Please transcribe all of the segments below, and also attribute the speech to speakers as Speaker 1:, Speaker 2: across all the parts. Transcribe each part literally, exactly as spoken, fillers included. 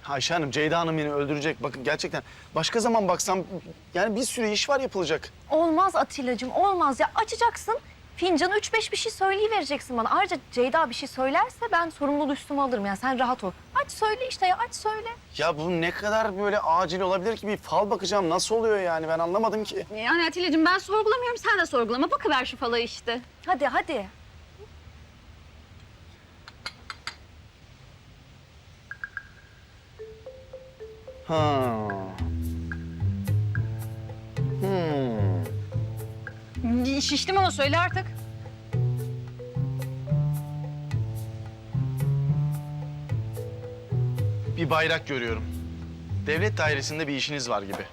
Speaker 1: Ayşe Hanım, Ceyda Hanım beni öldürecek. Bakın gerçekten başka zaman baksam yani bir sürü iş var yapılacak.
Speaker 2: Olmaz Atilla'cığım, olmaz ya. Açacaksın, fincanı üç beş bir şey söyleyivereceksin bana. Ayrıca Ceyda bir şey söylerse ben sorumluluğu üstüme alırım. Yani sen rahat ol. Aç söyle işte ya, aç söyle.
Speaker 1: Ya bu ne kadar böyle acil olabilir ki? Bir fal bakacağım. Nasıl oluyor yani? Ben anlamadım ki.
Speaker 3: Yani Atilla'cığım ben sorgulamıyorum, sen de sorgulama. Bakıver şu falayı işte.
Speaker 2: Hadi, hadi.
Speaker 1: Ha. Hmm.
Speaker 3: Şiştim ama söyle artık.
Speaker 1: Bir bayrak görüyorum. Devlet dairesinde bir işiniz var gibi.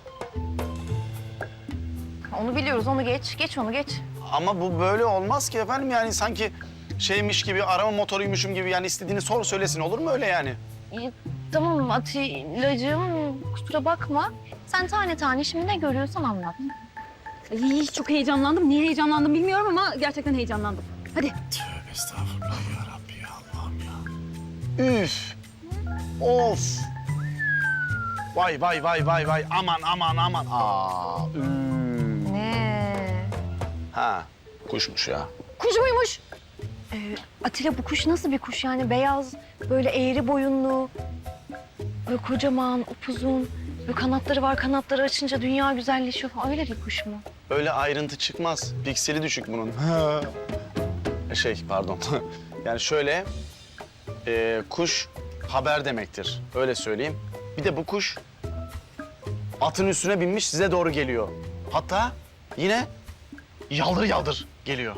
Speaker 2: Onu biliyoruz, onu geç. Geç onu, geç.
Speaker 1: Ama bu böyle olmaz ki efendim. Yani sanki şeymiş gibi, arama motoruymuşum gibi. Yani istediğini sor söylesin. Olur mu öyle yani?
Speaker 2: İyi, tamam Atilla'cığım, kusura bakma. Sen tane tane şimdi ne görüyorsan anlat.
Speaker 3: Ay, çok heyecanlandım. Niye heyecanlandım bilmiyorum ama gerçekten heyecanlandım. Hadi.
Speaker 1: Tövbe estağfurullah ya Rabbi ya Allah'ım ya. Üf. Of. Vay vay vay vay vay. Aman aman aman. Aa. Üf.
Speaker 2: Ne?
Speaker 1: Ha. Kuşmuş ya.
Speaker 2: Kuş muymuş? Ee, Atilla bu kuş nasıl bir kuş yani? Beyaz, böyle eğri boyunlu, böyle kocaman, upuzun, böyle kanatları var. Kanatları açınca dünya güzelleşiyor falan. Öyle bir kuş mu?
Speaker 1: Öyle ayrıntı çıkmaz. Pikseli düşük bunun. Şey pardon. Yani şöyle e, kuş haber demektir. Öyle söyleyeyim. Bir de bu kuş atın üstüne binmiş size doğru geliyor. Hatta yine yaldır yaldır geliyor.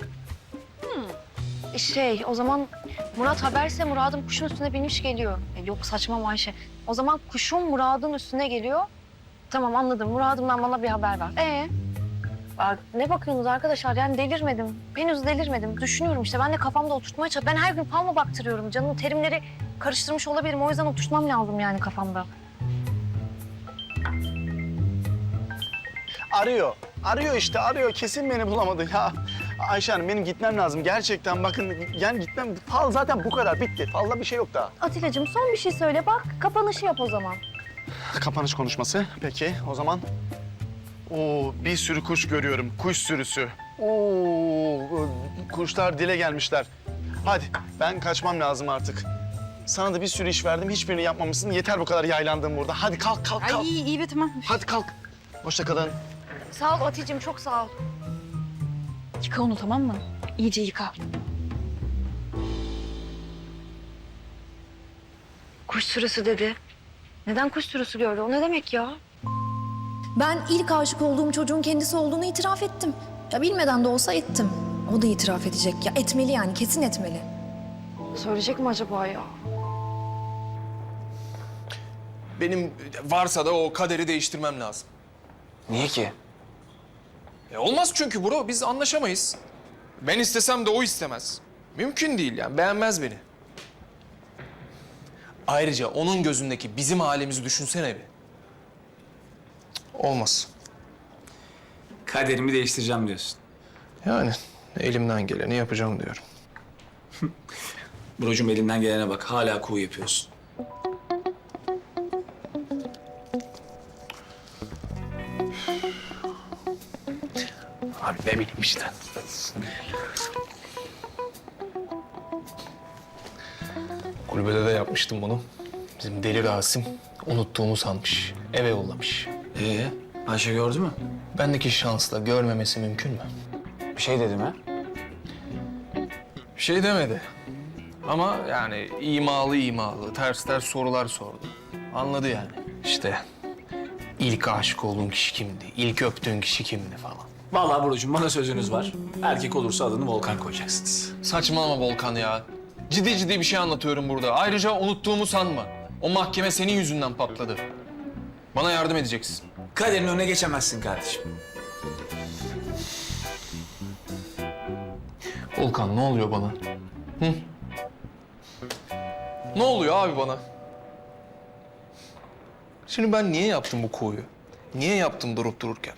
Speaker 2: Şey, o zaman Murat haberse Murad'ın kuşun üstüne binmiş geliyor. E, yok saçma Ayşe. O zaman kuşun Murad'ın üstüne geliyor. Tamam anladım. Murad'ımdan bana bir haber ver. Ee? Bak, ne bakıyorsunuz arkadaşlar? Yani delirmedim. Henüz delirmedim. Düşünüyorum işte. Ben de kafamda oturtmaya çalışıyorum. Ben her gün fal mı baktırıyorum? Canım terimleri karıştırmış olabilirim. O yüzden oturtmam lazım yani kafamda.
Speaker 1: Arıyor. Arıyor işte arıyor. Kesin beni bulamadı ya. Ayşe Hanım benim gitmem lazım. Gerçekten bakın yani gitmem. Fal zaten bu kadar bitti. Falda bir şey yok daha.
Speaker 2: Atilla'cığım son bir şey söyle bak. Kapanışı yap o zaman.
Speaker 1: Kapanış konuşması. Peki o zaman. Oo bir sürü kuş görüyorum. Kuş sürüsü. Oo kuşlar dile gelmişler. Hadi ben kaçmam lazım artık. Sana da bir sürü iş verdim. Hiçbirini yapmamışsın. Yeter bu kadar yaylandığım burada. Hadi kalk kalk kalk.
Speaker 3: Ay iyi, iyi be tamam.
Speaker 1: Hadi kalk. Hoşça kalın.
Speaker 2: Sağ ol Atilla'cığım çok sağ ol.
Speaker 3: Yıka onu tamam mı? İyice yıka.
Speaker 2: Kuş sürüsü dedi. Neden kuş sürüsü gördü? O ne demek ya?
Speaker 4: Ben ilk aşık olduğum çocuğun kendisi olduğunu itiraf ettim. Ya bilmeden de olsa ettim. O da itiraf edecek. Ya etmeli yani, kesin etmeli.
Speaker 2: Söyleyecek mi acaba ya?
Speaker 5: Benim varsa da o kaderi değiştirmem lazım.
Speaker 6: Niye ki?
Speaker 5: E olmaz çünkü bro, biz anlaşamayız. Ben istesem de o istemez. Mümkün değil yani, beğenmez beni. Ayrıca onun gözündeki bizim halimizi düşünsene bir. Cık, olmaz.
Speaker 6: Kaderimi değiştireceğim diyorsun.
Speaker 5: Yani elimden geleni yapacağım diyorum.
Speaker 6: Brocum elimden gelene bak. Hala kuğu yapıyorsun.
Speaker 5: Abi ne bileyim işte. Kulübede de yapmıştım bunu. Bizim deli Rasim unuttuğumu sanmış. Eve yollamış.
Speaker 6: Ee, Ayşe gördü mü?
Speaker 5: Bendeki şansla görmemesi mümkün mü?
Speaker 6: Bir şey dedi mi?
Speaker 5: Bir şey demedi. Ama yani imalı imalı, ters ters sorular sordu. Anladı yani. İşte ilk aşık olduğun kişi kimdi, ilk öptüğün kişi kimdi falan.
Speaker 6: Vallahi Brocum bana sözünüz var. Erkek olursa adını Volkan koyacaksınız.
Speaker 5: Saçmalama Volkan ya. Ciddi ciddi bir şey anlatıyorum burada. Ayrıca unuttuğumu sanma. O mahkeme senin yüzünden patladı. Bana yardım edeceksin.
Speaker 6: Kaderin önüne geçemezsin kardeşim.
Speaker 5: Volkan ne oluyor bana? Hı? Ne oluyor abi bana? Şimdi ben niye yaptım bu koyu? Niye yaptım durup dururken?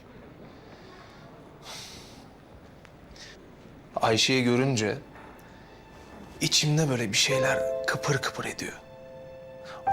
Speaker 5: Ayşe'yi görünce içimde böyle bir şeyler kıpır kıpır ediyor.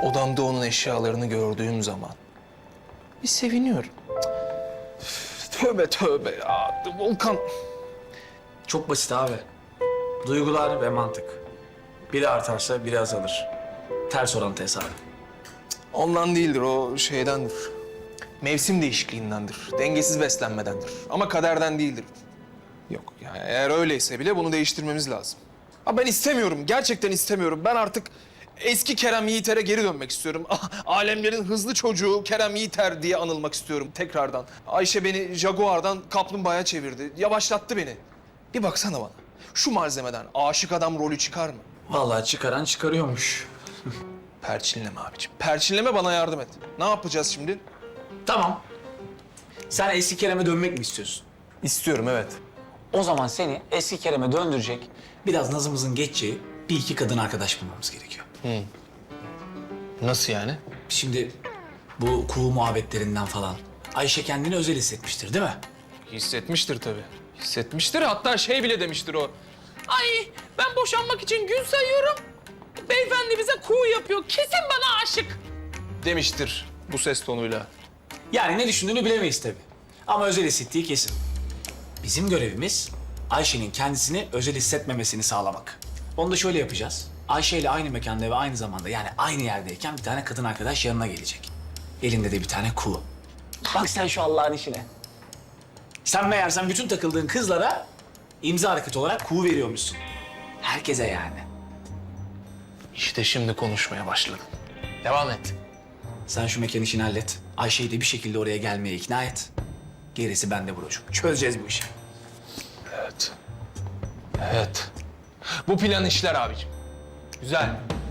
Speaker 5: odamda onun eşyalarını gördüğüm zaman bir seviniyorum. Üf, tövbe tövbe ya. Volkan.
Speaker 6: Çok basit abi. Duygular ve mantık. Biri artarsa biri azalır. Ters orantı hesabı.
Speaker 5: Ondan değildir, o şeydendir. Mevsim değişikliğindendir, dengesiz beslenmedendir. Ama kaderden değildir. Yok, yani eğer öyleyse bile bunu değiştirmemiz lazım. Ha ben istemiyorum, gerçekten istemiyorum. Ben artık eski Kerem Yiğiter'e geri dönmek istiyorum. Ah, alemlerin hızlı çocuğu Kerem Yiğiter diye anılmak istiyorum tekrardan. Ayşe beni Jaguar'dan kaplumbağaya çevirdi, yavaşlattı beni. Bir baksana bana, şu malzemeden aşık adam rolü çıkar mı?
Speaker 6: Vallahi çıkaran çıkarıyormuş.
Speaker 5: Perçinleme abiciğim, perçinleme, bana yardım et. Ne yapacağız şimdi?
Speaker 6: Tamam. Sen eski Kerem'e dönmek mi istiyorsun?
Speaker 5: İstiyorum, evet.
Speaker 6: O zaman seni eski Kerem'e döndürecek, biraz nazımızın geçeceği bir iki kadın arkadaş bulmamız gerekiyor.
Speaker 5: Nasıl yani?
Speaker 6: Şimdi bu kuğu muhabbetlerinden falan Ayşe kendini özel hissetmiştir değil mi?
Speaker 5: Hissetmiştir tabii. Hissetmiştir, hatta şey bile demiştir o. Ay ben boşanmak için gün sayıyorum. Beyefendi bize kuğu yapıyor. Kesin bana aşık. Demiştir bu ses tonuyla.
Speaker 6: Yani ne düşündüğünü bilemeyiz tabii. Ama özel hissettiği kesin. Bizim görevimiz Ayşe'nin kendisini özel hissetmemesini sağlamak. Onu da şöyle yapacağız. Ayşe ile aynı mekanda ve aynı zamanda yani aynı yerdeyken bir tane kadın arkadaş yanına gelecek. Elinde de bir tane kuğu. Bak sen şu Allah'ın işine. Sen meğersem bütün takıldığın kızlara imza hareketi olarak kuğu veriyormuşsun. Herkese yani.
Speaker 5: İşte şimdi konuşmaya başladım. Devam et.
Speaker 6: Sen şu mekan işini hallet. Ayşe'yi de bir şekilde oraya gelmeye ikna et. Gerisi bende Buracığım. Çözeceğiz bu işi.
Speaker 5: Evet. Evet. Bu plan işler abicim. Güzel.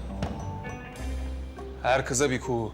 Speaker 5: Her kıza bir kuğu.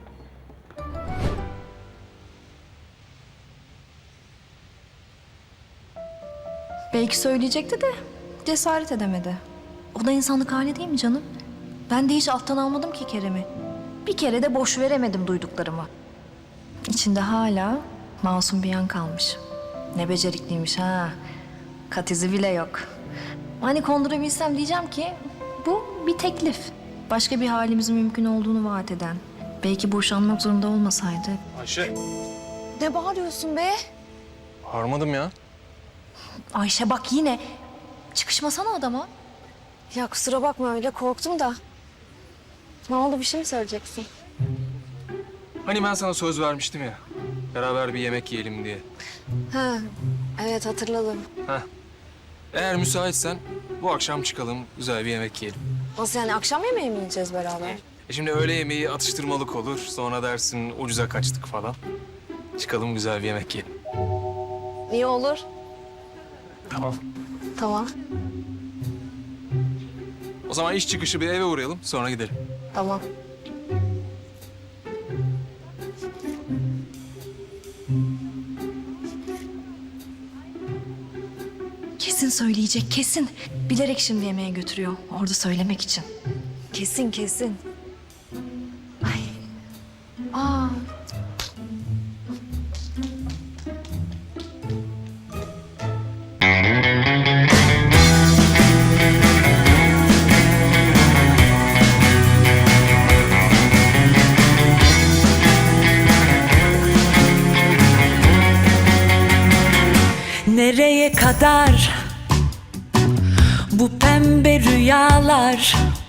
Speaker 4: Belki söyleyecekti de cesaret edemedi. O da insanlık hali değil mi canım? Ben de hiç alttan almadım ki Kerem'i. Bir kere de boş veremedim duyduklarımı. İçinde hala masum bir yan kalmış. Ne becerikliymiş ha. Kat izi bile yok. Hani kondurabilsem diyeceğim ki bu bir teklif. Başka bir halimizin mümkün olduğunu vaat eden. Belki boşanmak zorunda olmasaydı.
Speaker 5: Ayşe.
Speaker 4: Ne bağırıyorsun be?
Speaker 5: Harmadım ya.
Speaker 4: Ayşe bak yine. Çıkışmasana adama.
Speaker 2: Ya kusura bakma öyle korktum da. Ne oldu, bir şey mi söyleyeceksin?
Speaker 5: Hani ben sana söz vermiştim ya. Beraber bir yemek yiyelim diye.
Speaker 2: Ha, evet hatırladım.
Speaker 5: Heh. Eğer müsaitsen bu akşam çıkalım, güzel bir yemek yiyelim.
Speaker 2: Nasıl yani, akşam yemeği mi yiyeceğiz beraber?
Speaker 5: E şimdi öğle yemeği atıştırmalık olur. Sonra dersin ucuza kaçtık falan. Çıkalım güzel bir yemek yiyelim.
Speaker 2: İyi olur.
Speaker 5: Tamam.
Speaker 2: Tamam,
Speaker 5: O zaman iş çıkışı bir eve uğrayalım, sonra gidelim.
Speaker 2: tamam.
Speaker 4: Kesin söyleyecek, kesin. Bilerek şimdi yemeğe götürüyor. Orada söylemek için.
Speaker 2: Kesin kesin. Ay. Aa.
Speaker 7: Nereye kadar bu pembe rüyalar?